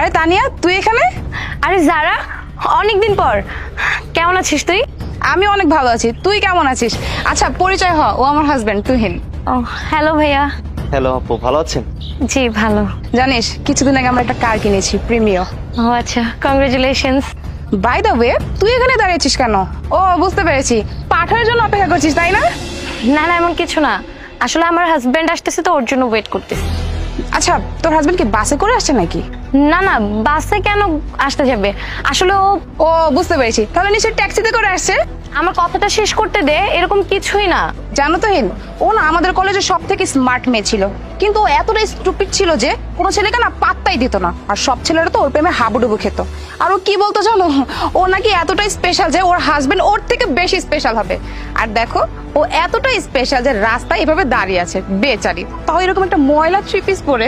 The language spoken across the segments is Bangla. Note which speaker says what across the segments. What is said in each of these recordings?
Speaker 1: আরে তানিয়া, তুই এখানে?
Speaker 2: আরে যারা, অনেকদিন পর। কেমন আছিস তুই?
Speaker 1: আমি অনেক ভালো আছি, তুই কেমন আছিস? আচ্ছা পরিচয় হ, ও আমার হাজবেন্ড তুহিন।
Speaker 2: ও হ্যালো ভাইয়া।
Speaker 3: হ্যালো আপু, ভালো আছেন?
Speaker 2: জি ভালো।
Speaker 1: জানিস কিছুদিন আগে আমরা একটা কার কিনেছি, প্রিমিও।
Speaker 2: ও আচ্ছা, কংগ্রেচুলেশনস।
Speaker 1: বাই দ্য ওয়ে, তুই এখানে দাঁড়িয়েছিস কেন? ও বুঝতে পেরেছি, পাঠানোর জন্য অপেক্ষা করছিস তাই না?
Speaker 2: না না, এমন কিছু না, আসলে আমার হাজবেন্ড আসতেছে তো ওর জন্য ওয়েট করতেছি।
Speaker 1: আচ্ছা, তোর হাজবেন্ড কি বাসে করে আসছে নাকি?
Speaker 2: না না, বাসে কেন আসতে যাবে? আসলে ও
Speaker 1: ও বুঝতে পেরেছি, তাহলে নিশ্চয়ই ট্যাক্সিতে করে আসছে।
Speaker 2: আমার কথাটা শেষ করতে দে, এরকম কিছুই না।
Speaker 1: জানো তো হিন, ও না আমাদের কলেজে সব থেকে স্মার্ট মেয়ে ছিল, কিন্তু ও এতটাই স্টুপিড ছিল যে কোনো ছেলেকে না পাত্তাই দিত না, আর সব ছেলেরা তো ওর প্রেমে হাবুডুবু খেত। আর ও কি বলতো জানো, ও নাকি এতটাই স্পেশাল যে ওর হাজবেন্ড ওর থেকে বেশি স্পেশাল হবে। আর দেখো, ও এতটাই স্পেশাল যে রাস্তায় এভাবে দাঁড়িয়ে আছে বেচারি, তাও এরকম একটা ময়লা থ্রি পিস পরে।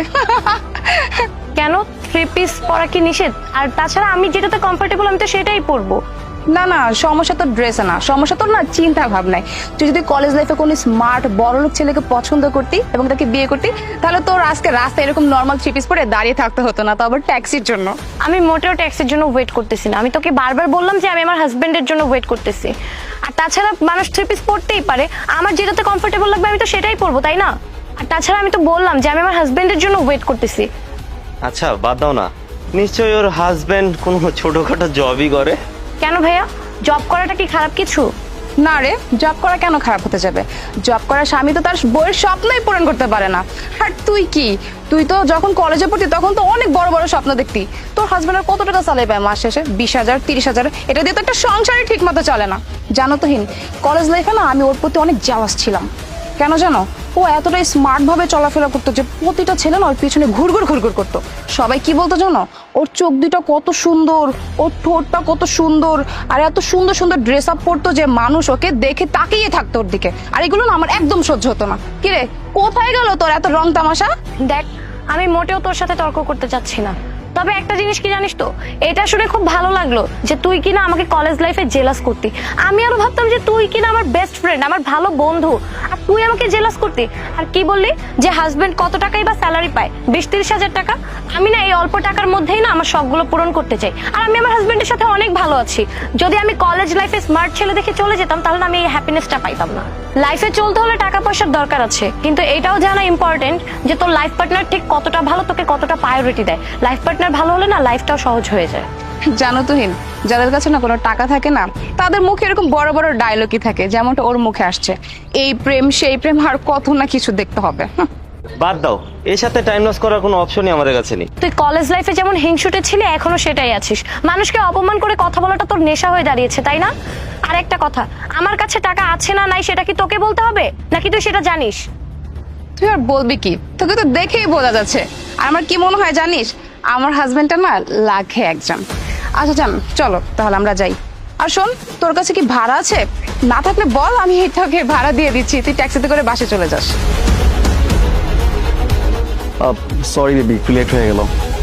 Speaker 2: কেন, থ্রি পিস পরা কি নিষেধ? আর তাছাড়া আমি যেটাতে কমফোর্টেবল আমি তো সেটাই পরবো।
Speaker 1: না না, সমস্যা তোর ড্রেসে না, সমস্যা তোর না চিন্তা ভাবনায়। তুই যদি কলেজ লাইফে কোনো স্মার্ট বড়লোক ছেলেকে পছন্দ করতি এবং তাকে বিয়ে করতি, তাহলে তোর আজকে রাস্তায় এরকম নর্মাল থ্রি পিস পরে দাঁড়িয়ে থাকতে হতো না, তো আবার ট্যাক্সির জন্য।
Speaker 2: আমি মোটেও ট্যাক্সির জন্য ওয়েট করতেছি না, আমি তোকে বারবার বললাম যে আমি আমার হাজবেন্ডের জন্য ওয়েট করতেছি। আর তাছাড়া মানুষ থ্রি পিস পরতেই পারে, আমার যেটাতে কমফোর্টেবল লাগবে আমি তো সেটাই পরবো, তাই না? আর তাছাড়া আমি তো বললাম যে আমি আমার হাজবেন্ডের জন্য ওয়েট করতেছি।
Speaker 3: আচ্ছা বাদ দাও না, নিশ্চয়ই ওর হাজবেন্ড কোনো ছোটখাটো জবই করে।
Speaker 2: কেন ভাইয়া, জব করাটা কি খারাপ কিছু?
Speaker 1: না রে, জব করা কেন খারাপ হতে যাবে? জব করা স্বামী তো তার বইয়ের স্বপ্নই পূরণ করতে পারে না। আর তুই কি, তুই তো যখন কলেজে পড়তি তখন তো অনেক বড় বড় স্বপ্ন দেখতি। তোর হাজবেন্ডের কত টাকা চালাই পায় মাস শেষে? 20,000 30,000, এটা দিয়ে তো একটা সংসারই ঠিক মতো চলে না। জানো তো হিন, কলেজ লাইফে না আমি ওর প্রতি অনেক জালাস ছিলাম। কেন জানো? ও এতটাই স্মার্ট ভাবে চলাফেরা করতো যে প্রতিটা ছেলে না ওর পিছনে ঘুরঘুর ঘুরঘুর করতো। সবাই কি বলতো জানো? ওর চোখ দুটো কত সুন্দর, ওর ঠোঁটটা কত সুন্দর, আর এত সুন্দর সুন্দর ড্রেস আপ পরতো যে মানুষ ওকে দেখে তাকিয়ে থাকতো ওর দিকে। আর এগুলো না আমার একদম সহ্য হতো না। কিরে, কোথায় গেল তোর এত রং তামাশা?
Speaker 2: দেখ, আমি মোটেও তোর সাথে তর্ক করতে চাচ্ছি না, তবে একটা জিনিস কি জানিস তো, এটা শুনে খুব ভালো লাগলো যে তুই কিনা আমাকে কলেজ লাইফে জেলাস করতি। আমি আরো ভাবতাম যে তুই কিনা আমার বেস্ট ফ্রেন্ড, আমার ভালো বন্ধু, আর তুই আমাকে জেলাস করতি। আর কি বললি যে হাজবেন্ড কত টাকাই বা স্যালারি পায়? 20-30 হাজার টাকা। আমি না এই অল্প টাকার মধ্যেই না আমার শখগুলো পূরণ করতে চাই, আর আমি আমার হাজবেন্ডের সাথে অনেক ভালো আছি। যদি আমি কলেজ লাইফে স্মার্ট ছেলে দেখে চলে যেতাম তাহলে না আমি এই হ্যাপিনেসটা পাইতাম না। লাইফে চলতে হলে টাকা পয়সার দরকার আছে, কিন্তু এটাও জানা ইম্পর্টেন্ট যে তোর লাইফ পার্টনার ঠিক কতটা ভালো, তোকে কতটা প্রায়োরিটি দেয়। লাইফ পার্টনার ভালো হলে না লাইফটাও সহজ হয়ে যায়।
Speaker 1: জানো তো হিন, যাদের কাছে না কোনো টাকা থাকে না, তাদের মুখে এরকম বড় বড় ডায়লগই থাকে, যেমনটা ওর মুখে আসছে, এই প্রেম সেই প্রেম, আর কত না কিছু দেখতে হবে।
Speaker 3: বাদ দাও, এর সাথে টাইম লস করার কোনো অপশনই আমাদের কাছে নেই।
Speaker 2: তুই কলেজ লাইফে যেমন হিংসুটে ছিলি, এখনো সেটাই আছিস। মানুষকে অপমান করে কথা বলাটা তোর নেশা হয়ে দাঁড়িয়েছে, তাই না? আর একটা কথা, আমার কাছে টাকা আছে না নাই সেটা কি তোকে বলতে হবে, নাকি তুই সেটা জানিস?
Speaker 1: তুই আর বলবি কি, তোকে তো দেখেই বোঝা যাচ্ছে। আর আমার কি মনে হয় জানিস, আমার হাজবেন্ডটা না লাখে একজন। আচ্ছা জান, চলো তাহলে আমরা যাই। আর শোন, তোর কাছে কি ভাড়া আছে? না থাকলে বল, আমি তোকে ভাড়া দিয়ে দিচ্ছি, তুই ট্যাক্সিতে করে বাসে চলে যাস।
Speaker 4: সরি বেবি, একটু লেট হয়ে গেল।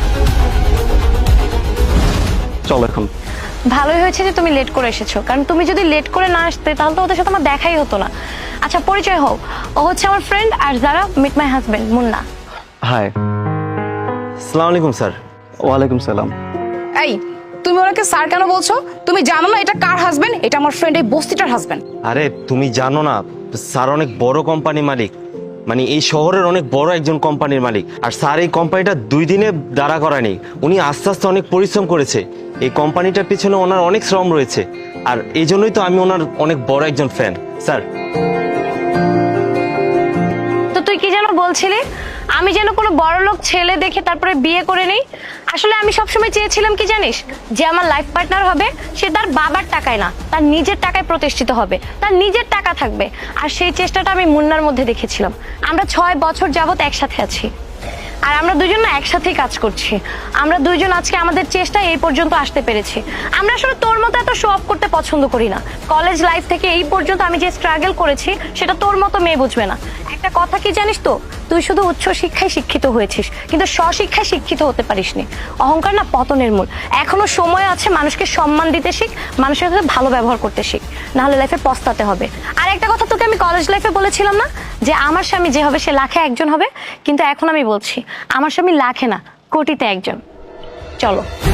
Speaker 4: চল এখন।
Speaker 2: ভালোই হয়েছে যে তুমি লেট করে এসেছো, কারণ তুমি যদি লেট করে না আসতে তাহলে তো ওদের সাথে আমার দেখাই হতো না। আচ্ছা পরিচয় হও, ও হচ্ছে আমার ফ্রেন্ড, আর যারা meet my husband Munna.
Speaker 4: Hi.
Speaker 3: আসসালামু আলাইকুম স্যার।
Speaker 4: ওয়ালাইকুম সালাম।
Speaker 1: এই, তুমি ওনাকে স্যার কেন বলছো? তুমি জানো না এটা কার হাজবেন্ড? এটা আমার ফ্রেন্ড, এই বস্তিটার হাজবেন্ড।
Speaker 3: আরে তুমি জানো না, স্যার অনেক বড় কোম্পানি মালিক, মানে এই শহরের অনেক বড় একজন কোম্পানির মালিক। আর স্যার এই কোম্পানিটা 2 দিনে দাঁড়া করায়নি, উনি আস্তে আস্তে অনেক পরিশ্রম করেছে। এই কোম্পানিটার পিছনে ওনার অনেক শ্রম রয়েছে, আর এই জন্যই তো আমি ওনার অনেক বড় একজন ফ্যান স্যার।
Speaker 2: তো তুই কি যেন বলছিলি, আমি যেন কোনো বড়লোক ছেলে দেখে তারপরে বিয়ে করে নেই? আসলে আমি সবসময় চেয়েছিলাম কি জানিস, যে আমার লাইফ পার্টনার হবে সে তার বাবার টাকায় না, তার নিজের টাকায় প্রতিষ্ঠিত হবে, তার নিজের টাকা থাকবে। আর সেই চেষ্টাটা আমি মুন্নার মধ্যে দেখেছিলাম। আমরা 6 বছর যাবত একসাথে আছি, আর আমরা দুজন না একসাথেই কাজ করছি। আমরা দুইজন আজকে আমাদের চেষ্টায় এই পর্যন্ত আসতে পেরেছি। আমরা আসলে তোর মতো এত শো অফ করতে পছন্দ করি না। কলেজ লাইফ থেকে এই পর্যন্ত আমি যে স্ট্রাগল করেছি সেটা তোর মতো মেয়ে বুঝবে না। একটা কথা কি জানিস তো, তুই শুধু উচ্চ শিক্ষায় শিক্ষিত হয়েছিস, কিন্তু স্বশিক্ষায় শিক্ষিত হতে পারিসনি। অহংকার না পতনের মূল। এখনো সময় আছে, মানুষকে সম্মান দিতে শিখ, মানুষের সাথে ভালো ব্যবহার করতে শিখ, নাহলে লাইফে পস্তাতে হবে। আর একটা কথা তোকে আমি কলেজ লাইফে বলেছিলাম না, যে আমার স্বামী যে হবে সে লাখে একজন হবে, কিন্তু এখন আমি বলছি আমার স্বামী লাখে না কোটিতে একজন। চলো।